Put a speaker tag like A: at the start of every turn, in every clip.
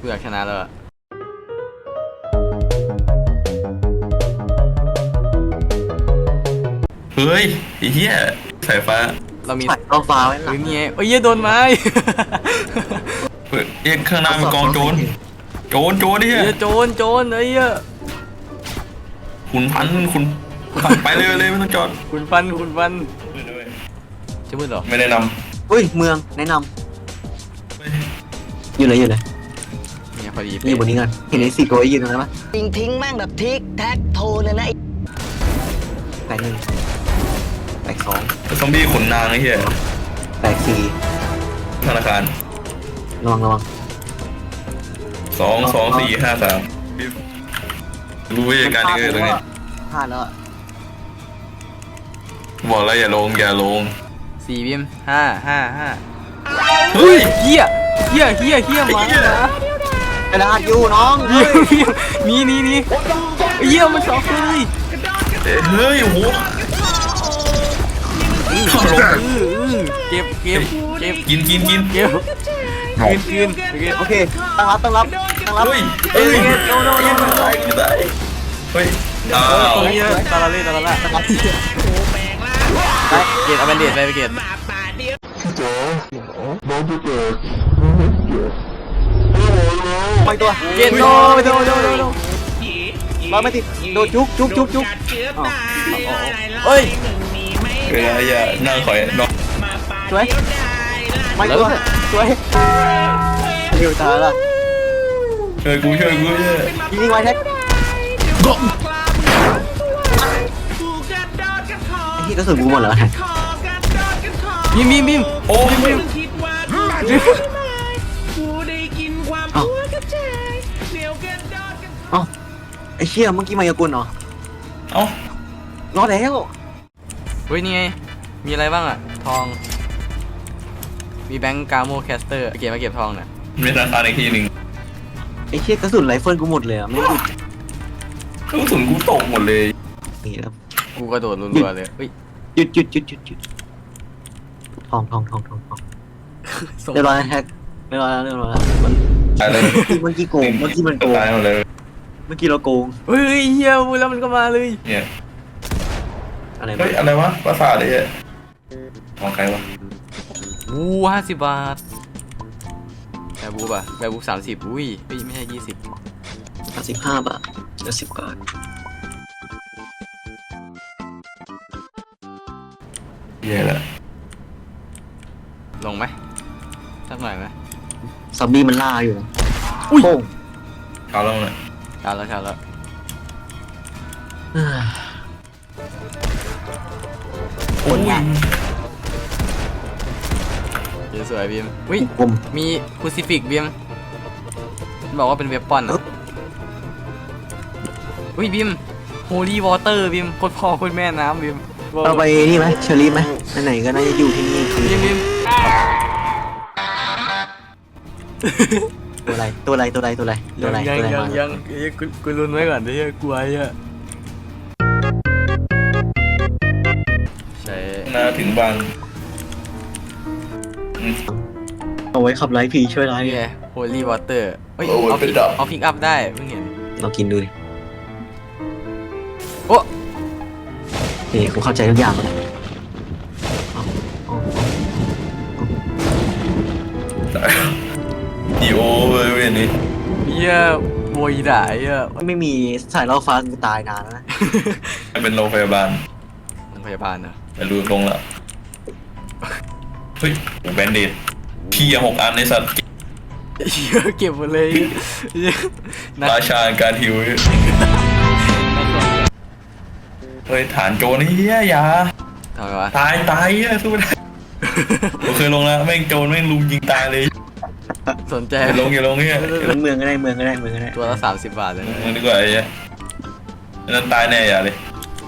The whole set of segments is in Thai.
A: กูอยากชนะแล้ว
B: เฮ้ยไอ้เหี้ยสายฟ้า
A: เรามี
C: เอาฟ้าไว้หลัง
A: นี่ไงโอ้ยโดนไม้
B: เฮ้ยเอ็งข้างหน้ามันกองโจรนี่
A: เฮ้ยโจรไอ้เหี้ย
B: คุณพันไปเลยไม่ต้องจอด
A: คุณฟันจะมืดหรอ
B: ไม่แนะน
C: อุ้ยเมืองแนะน
B: ำ
C: ำอยู่เลย
A: เนี่ยพอดี
C: อยู่บนนี้กันเห็นไอ้สี่ตัวยืนตรงนั้นปะ
D: ทิ้งแม่งแบบทิกแท็กโทเลยนะ
C: แตกหนึ่งแตกสอง
B: ซอมบี้ขนนางไอ้เหี้ย
C: แตกสี่
B: ธนาคาร
C: ระวัง
B: 2 2 4 5 3รู้วิธีการนี้ตรงนี้
C: พลาดแล้วอะ
B: บอกแล้วอย่าลง
A: 4บิม5
B: เฮ้ย
A: เฮียมา
C: กระดาษอยู่น้อง
A: นี่เฮียมันช็อกเลย
B: เฮ้ยโอ้โหลง
A: เก็บ
B: กิน
A: เก็บคืน
C: โอเคตั้งรับ
B: เฮ้ยไม่ได้เฮ้ย
A: ตัวนี้ตาละเล่ตาละเกตเอาแบนเดดไปเกต
C: ไปตัว
A: เกตโด
C: ร้อยไม่ติดโดนจุก
A: เฮ้ย
B: อย่านั่งคอยนอน
C: สวยไม่ตัวสวยเร็วตายละ
B: ช่วยกู
C: ยิงไว้แท็กที่กระสุนกูหมดแล้ว
A: บิม
B: โอ้ย
C: เอ้าไอ้เชี่ยเมื่อกี้มายากลเหรอ
B: เอ้าร
C: อดแล้ว
A: เฮ้ยนี่ไงมีอะไรบ้างอ่ะทองมีแบงก์กาโมแคสเตอร์เก็บทองน่ะ
B: มีธนาคารอีกทีหนึ่ง
C: ไอ้เชี่ยกระสุนไรเฟิลกูหมดเลยอ่ะไม่หยุด
B: กระสุนกูตกหมดเลย
C: นี่แล้ว
A: กูกระโดดรัวๆเลยเฮ้ย
C: หยุดทองเรียบร้อยแท็กเรียบร้อยแล้วมัน
B: ตายเลย
C: เมื่อกี้โกงเมื่อกี้มันโกง
B: ตายหมดเลย
C: เมื่อกี้เราโกง
A: เฮ้ยเฮียพูดแล้วมันก็มาเลย
B: เนี่ย
C: อะไร
B: เฮ้ยอะไรวะภาษาอะไรเนี่ยของใครวะ
A: วู50 บาทแบบบู30อุ้ยไม่ใช่20
C: 15 บาทจะ10 บาท
B: เย่ละ
A: ลงไหมสักหน่อยไหม
C: ซอมบี้มันล่าอยู่นะ
A: อุ้ย
C: โป้ง
B: เขาลงเลย
A: ชาแล้ว
C: คนงาน
A: สวยบิมอุ้ย
C: ผม
A: มีคูซิฟิกบิมบอกว่าเป็นเวปปอนอ่ะอุ้ยบิมโฮลี่วอเตอร์บิมโคตรพ่อโคตรแม่น้ำบิม
C: เอาไปนี่ไหมเชอรี่ไหมไหนๆก็น่าจะอยู่ที่นี่คือ
A: บิม
C: ตัวอะไร
A: ยังกูลุ้นไว้ก่อนเดี๋ยวกลัวอ่ะใช่
B: น่าถึงบาง
C: เอาไว้ขับไล่ผีช่วยไล่
A: นี่ไงโฮลี่วอเตอร์เฮ้ยเอาพิกอัพได้เพิ่งเห็น
C: เรากินดูดิ
A: โอ้
C: นี่กูเข้าใจทุกอย่างแล้ว
B: ดีโอเลยเว้ยนี่
A: เฮียโวยด่าเฮีย
C: ไม่มีสายล่อฟ้ากูตายนานแล้วนะ
B: เป็นโรงพยาบาล
A: โรงพยาบาลเหรอ
B: แต่ดูตรงละเฮ้ยแบนเดดพี่6 อันในสัตว์
A: เฮียเก็บหมดเลยนัก
B: ราชาการหิวเฮ้ยฐานโจรนี่อย่า
A: ทำไมวะ
B: ตายสู้ไม่ได้ผมเคยลงแล้วแม่งโจรแม่งลุมยิงตายเลย
A: สนใจ
B: อย่าลงเนี่ย
C: เมืองก็ได้
A: ตัวละ30 บาทเลยนะ
B: มึงดีกว่าไอ้เหี้ยนั่นตายแน่อย่าเลย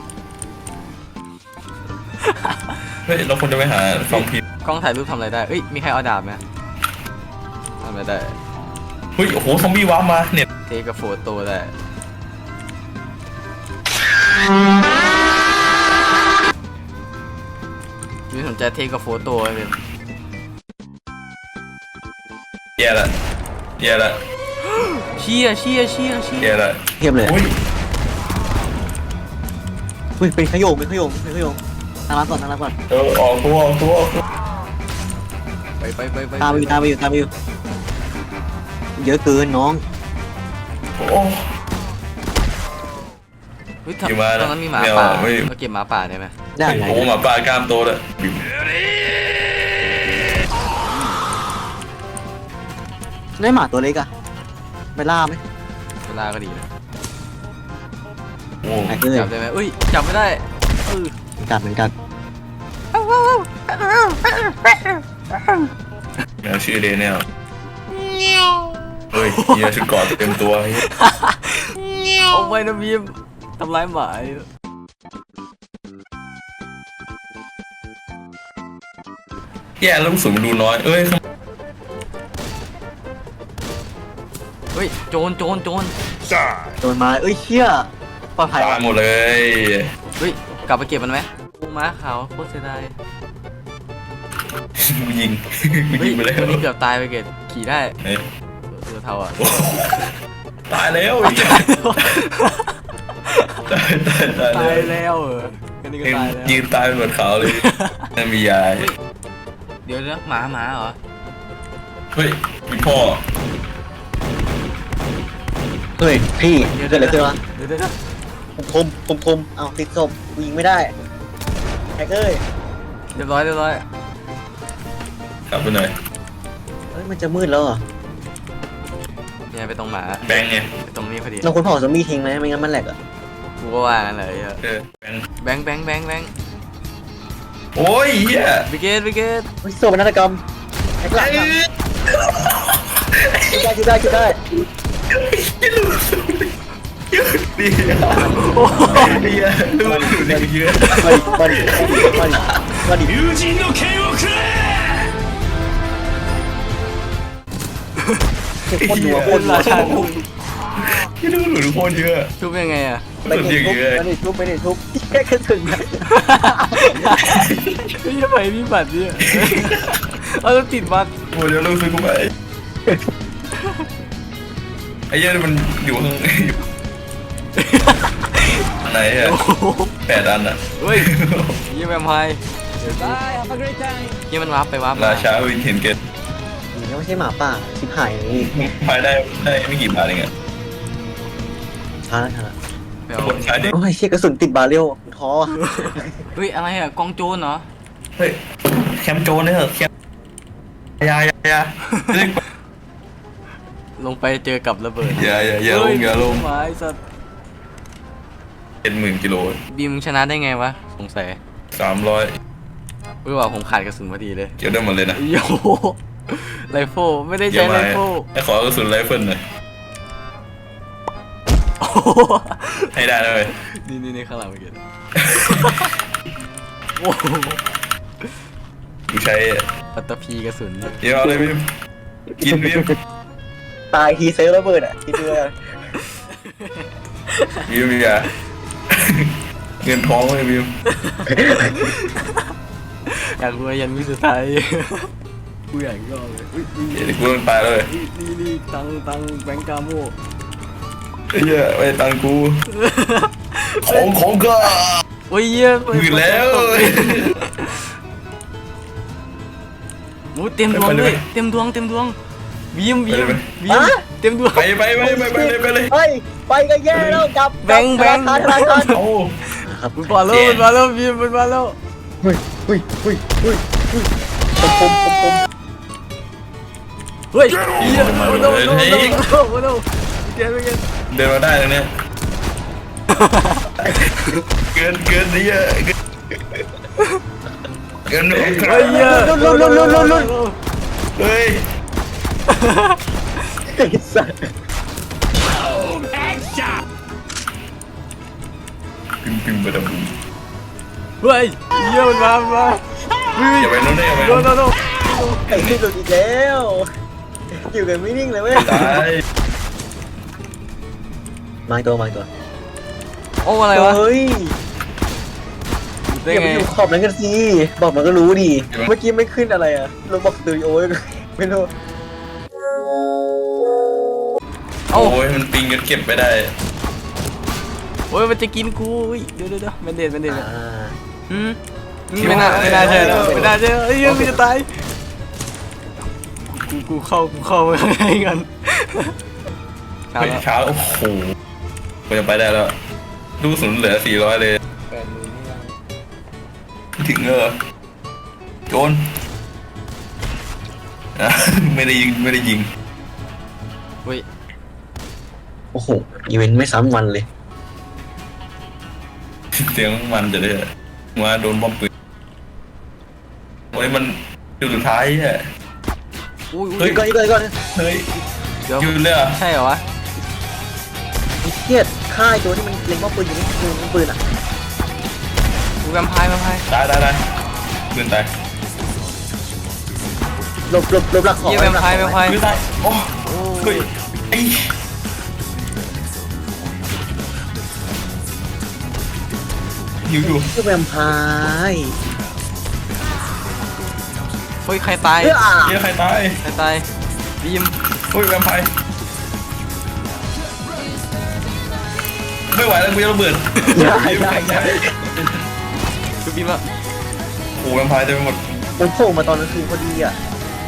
B: เฮ้ยเราควรจะไปหาสองทีม
A: กล้องถ่ายรูปทำอะไรได้เอ้ยมีใครเอาดาบไหมทำอะไรได้
B: เฮ้ยโอ้โหซอมบี้ว้ามาเน็ต
A: เทกับโฟโต้ได้มีสนใจเทกับโฟโต้ไหมเป็น
B: แย่ละ
A: เชี่ย
B: เฮียอะไร
C: เทียบเลย
B: อุ้ย
C: อุ้ยเป็นขยงทางร้านก่อน
B: ออกตัว
A: ไป
C: ตามไปอยู่เยอะเกินน้อง
B: โอ้
A: เฮ้ย
B: อยู่มา
A: ตอนนั้นมีหมา
B: ไม่เอา
A: ป่า
B: ไม่
A: มาเก็บหมาป่าได้ไหม
C: ได้ไง
B: โอ้หมาป่ากล้ามโตเลย
C: ได้หมาตัวเล็กอะไปล่าไหม
A: เวลาก็ดีนะ
B: โอ้
C: ไอ้เอ้ย
A: จับได้ไหมอุ้ยจับไม่ได้เออ
C: เหมือนกัน
B: แมวชื่อเดนเนลเฮ้ยเฮียชุดเกอดเต็มตัวเฮีย
A: เอาไปนะบีมทำร้ายหมา
B: แย่แล้วลูกสูงมันดูน้อยเอ้ย
A: เฮ้ยโจร
C: โดนมาเอ้ยเชี่ยปลอดภัย
B: ตายหมดเลย
A: เฮ้ยกลับไปเก็บมันไหมปูม้าขาวโคตรเสียดาย
B: กูยิง
A: เฮ้ย
B: ไปแล้ว
A: วันนี้เกือบตายไปเกตขี่ได้
B: เฮ้ย
A: เสือเทาอ่ะ
B: โอ้ตายแล้ว ตาย
A: ตาย
B: แล้ว
A: แล้วกันนี้ก็ตายแล้ว
B: ยืนตายเป็นเหมือนเขาเลยนั่นมียาย
A: เดี๋ยวนะหมาเหรอ
B: เฮ้ยมีพ่อ
C: เฮ้ยพี่เกิดอะไรขึ้นวะ
A: เดี๋ยว
C: คมเอาติดศพกูยิงไม่ได้ไอ้เอ้ย
A: เรียบร้อย
B: กลับไปหน่อย
C: เฮ้ยมันจะมืดแล้วเหรอ
A: เนี่ยไปตรงหมา
B: แบงค์ไง
A: ไปตรงนี้พอดี
C: เราควรเผาซอมบี้ทิ้งไหมไม่งั้นมันแหลกอ่ะ
A: กูก็ว่างั้นเลย
B: เออแบงค์
A: แบงค์
B: โอ้ยเฮีย
A: บิเกต
C: เฮ้ยโซ่เป็นนาฏกรรมไอ้กลับจุดได้
B: ดีอ่ะดีอ่ะดูดูเด็กเยอะ
C: มาดิ
B: 友人の剣をくれ
C: โคตรนัว
A: ราชา
B: ที่ดูหนูโคตรเยอะ
A: ทุบยังไงอ่ะ
C: ไปดิทุบแค่กระสุนนะ
A: ไม่ใช่ไปมีบัตรเนี่ยเอาต้องติดบัตร
B: โอ้เดี๋ยวเราซื้อกูไปไอ้เหี้ยมันอยู่ข้างไหนอ่ะ8 อันอ่ะ
A: เฮ้ยยี่แวมไพร์ยี่มันวาร์ปไปวาร์ป
B: ราชาวินเทนเกต
C: นี่ไม่ใช่หมาป่าชิบหายนี่
B: ภายได้ไม่กี่บาทเองอ่ะ
C: ช้า
A: ไปเอา
B: คนใช้เด็ก
C: โอ้ยเชี่ยกระสุนติดบาเรลท้อ
A: เฮ้ยอะไรอ่ะกองโจรเหรอ
B: เฮ้ยแคมโจนเนี่ยเหรอแคมยา
A: ลงไปเจอกับระเบิด
B: อย่าลงอย่าลง
A: ไม้สัตว์
B: เป็น10,000 กิโล
A: บีมชนะได้ไงวะสงสัย
B: 300
A: เฮ้ยว่าผมขาดกระสุนพอดีเลย
B: เกี่ยวได้หมดเลยนะ
A: โยไรเฟิลไม่ได้ใช้ไรเฟิล
B: ให้ขอกระสุนไรเฟิลหน่อย
A: โอ้โห
B: ให้ได้เลย
A: นี่ข้างหลังเมื่อกี้โอ้โห
B: กูใช้
A: ปัตตภีกระสุนเนี่ย
B: เดี๋ยวเอาเลยพี่กินพี่
C: ตายทีเซลระเบิดอ่ะคิดดูเลย
B: บิวอย่าเงินท้องเลยบิว
A: อยากรวยยันวิสุดท้ายกูอยากย่อเลยอุ๊ย
B: เดี๋ยวกูต้องตายเลย
A: นี่ตังแบงก์กาโม
B: ไอ้เหี้ยไอ้ตังกูของก็
A: โอ้ยเยี่ยม
B: มืดแล้ว
A: โอ้เต็มดวงเลยเต็มดวงบีมเต็มดวง
B: ไปเลย
C: เฮ้ยไปก็แย่แล้วจับ
A: แบงค์
B: โอ้
A: มันมาแล้วบีมมันมาแล้ว
C: เฮ้ยคม
A: เฮ้ยเยี่ยมโอ้โหเกิน
B: เดินมาได้ตรงเนี้ยเกินนี่อะเกิน
A: เฮ้ยเยี่ยม
B: เฮ้ย
C: ไอ้สัส
B: ปิมไปดับบุ้ม
A: เฮ้ยเยี่ยมมันมาเฮ้ย
B: อย่าไปโน่นได้อย่าไป
A: โด
B: โน่น
A: น
C: ไอ้ที่สุดอีกแล้วอยู่กันไม่นิ่งเลยเว้ย
B: ตาย
C: มาตัว
A: โอ้อะไรวะ
C: เฮ้ย
A: ได้
C: อย่า
A: ไง
C: ไปอยู่ขอบนั้นกันสิบอกมันก็รู้ดิเมื่อกี้ไม่ขึ้นอะไรอะลงบอกสตูดิโอไม่รู้
A: อเอ้า
B: โอ้ยมันปิงจนเก็บไม่ได้
A: โอ้ยมันจะกินกูอุ๊ยเดี๋ยวมันเด็ด
C: อ่า
A: อืมไม่น่าใช่แล้วไม่น่าใช่แล้วเอ้ยกูจะตายกูเข้าไปข้างในกันช้า
B: เฮ้ย
A: แล้ว
B: ช้าแล้วโอ้โหกูจะไปได้แล้วลูกศูนย์เหลือ400เลย ถึงเออโจนอ่ะ ไม่ได้ยิง
A: เฮ้ย
C: โอ้โหอีเวนต์ไม่ซ้ำวันเลย
B: เสียงมันจะได้มาโดนบอมปืนโอ้ยมันจุดสุดท้ายอ่ะ
A: อุ้ย
B: เฮ้ย
C: ก่อน
B: เฮ้ย
A: เดี๋ยว
B: ยืนเลยเหรอ่ะ
A: ใช่เหรอวะ
C: เครียดฆ่าไอ้ตัวที่มันเล็งว่าปืนอยู่นี่คือปืนอ่ะ
A: กูแวมไพร์
B: ได้ปืนตาย
C: หลบหลักของ
A: เยี่ยแวมไพร์
B: ปืนตายโอ้เฮ้ยไอ้หิวอยู่
C: คือแวมไพร์
A: เฮ้ยใครตาย
C: เอ้ย
B: เฮียใครตาย
A: บีม
B: เฮ้ยแวมไพร์ไม่ไหวแล้วกูจะระเบิด
C: อย่า
A: คือบีมอะ
B: โอ้แวมไพร์เต็มไปหมด
C: ผมโผล่มาตอนกลางคืนพอดีอ่ะ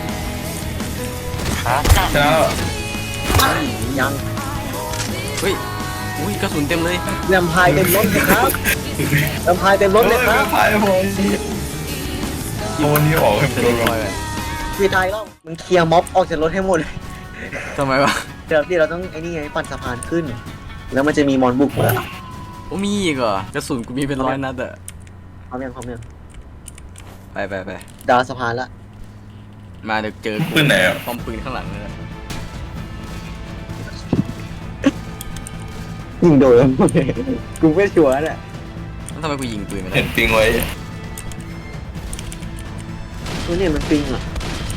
B: ชนะแล้ว
C: ยัง
A: เฮ้ยอุ้ยกระสุนเต็มเลย
C: แวมไพร์เต็มรถเลยครับแวมไพร์เต็มรถเลยค
B: แว
C: รับ
B: มไพร์พอโดนนี้ออกให้
A: จะ
B: โด
A: ได้
B: น
A: ปล่อยไป
C: คือตายแล้วมึงเคลียร์ม็อบออกจากรถให้หมดเลย
A: ทำไมวะ
C: เดี๋ยวเราต้องไอ้นี่ไงปั่นสะพานขึ้น แล้วมันจะมีมอนบุกมา
A: โอ้มีอีกเหรอกระสุนกูมีเป็น100 นัดอะ
C: พร้อมยัง
A: ไป
C: ดาวสะพานละ
A: มาเดี๋ยวเจอกู
B: ปืนไหนอ่ะ
A: ป้อมปืนข้างหลังเลยนะ
C: ยิงโดนกูไม่ชัวร์แหละ
A: แล้วทำไมกูยิงปืนไม่ได้
B: เห็นปิงไว้
C: ตัวเนี่ยมันปิงอ่ะ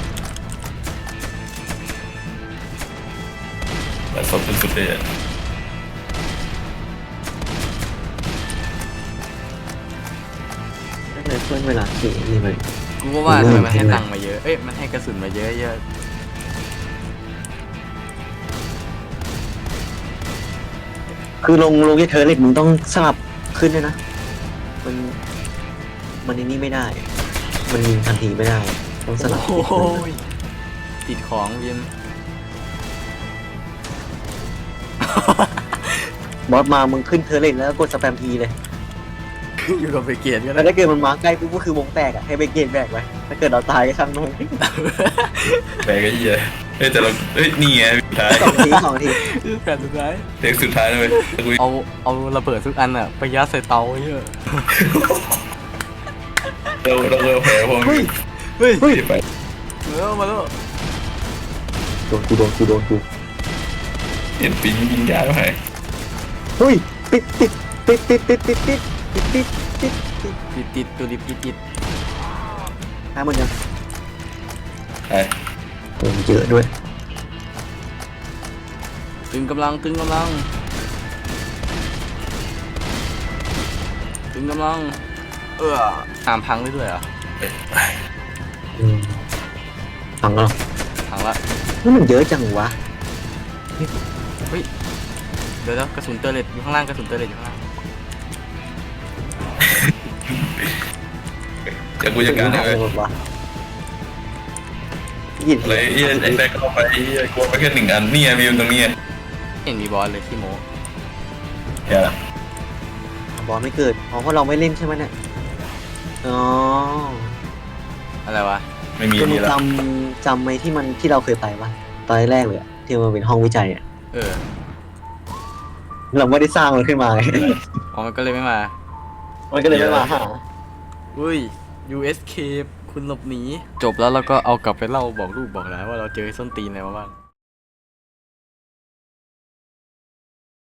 B: แต่สดสุดๆเลยอะ
C: นั่นเลยเพื่อนเวลาขี่นี่มัน
A: กูก็ว่าทำไมมันให้ตังค์มาเยอะเอ้ยมันให้กระสุนมาเยอะ
C: คือลงเทอร์เล็ตมึงต้องสลับขึ้นด้วยนะ มันในนี่ไม่ได้ มันยิงทันทีไม่ได้ ต้องสลับ
A: โอ้โหติดของบีม
C: บอสมามึงขึ้นเทอร์เล็ตแล้วกดสแปมทีเลย
A: อยู่กับเบเกตก็
C: แล้ว
A: ได้
C: ถ้าเกิดมันมาใกล้ปุ๊บก็คือวงแตกอ่ะให้เบเกตแบกไว้ถ้าเกิดเราตายก็ช่างมัน
B: แบกไอ้เหี้ยเฮ้ยแต่เราเฮ้ยนี่ไงสุดท้าย
C: 2 ที
A: แผ่นสุดท้าย
B: เด็กสุดท้ายนะเลยกู
A: เอาระเบิดทุกอันอะไปยัดใส่เตาเยอะ
B: เราแผลพวก
A: เฮ้ย
B: ไป
A: มาแล้ว
C: โดนกู
B: เห็นปิงยิงยาแล้วไง
C: เฮ้ยติด
A: ตัวดิบติด
C: หาหมดยัง
B: ไอ้
C: โอ้เยอะด้วย
A: ตึงกำลังตึงกำลังตามพังได้ด้วยเหรอ
C: ฟังแล้ว
A: พังละ
C: นี่มันเยอะจังวะ
A: เดี๋ยวกระสุนเตอร์เลตอยู่ข้างล่างกระสุนเตอร์เลตอยู่ข้างล่าง
B: เดี๋ยวกูจัดการให้เลย
C: หมดวะยิน
B: เลยไอ้แบกเข้าไปไอ้กลัวไปแค่1 อันนี่ไงมีอยู่ตรงนี้
A: เห็นมีบอสเลยที่โม
B: อย่า
C: บอลไม่เกิดเพราะเราไม่เล่นใช่ไหมเนี่ยอ๋อ
A: อะไรวะ
B: ไม่มี
C: คือมึ
B: นี่
C: ง
B: แล้ว
C: จำไหมที่มันที่เราเคยไปปะตอนแรกเลยอะที่มันเป็นห้องวิจัยอะ
A: เออ
C: เราไม่ได้สร้างมันขึ้นมาไง
A: อ๋อมันก็เลยไม่มา
C: มันก็เลยไม่มาหา
A: อุ้ย USK คุณหลบหนีจบแล้วเราก็เอากลับไปเล่าบอกลูกบอกหลานว่าเราเจอส้นตีนอะไรมาบ้าง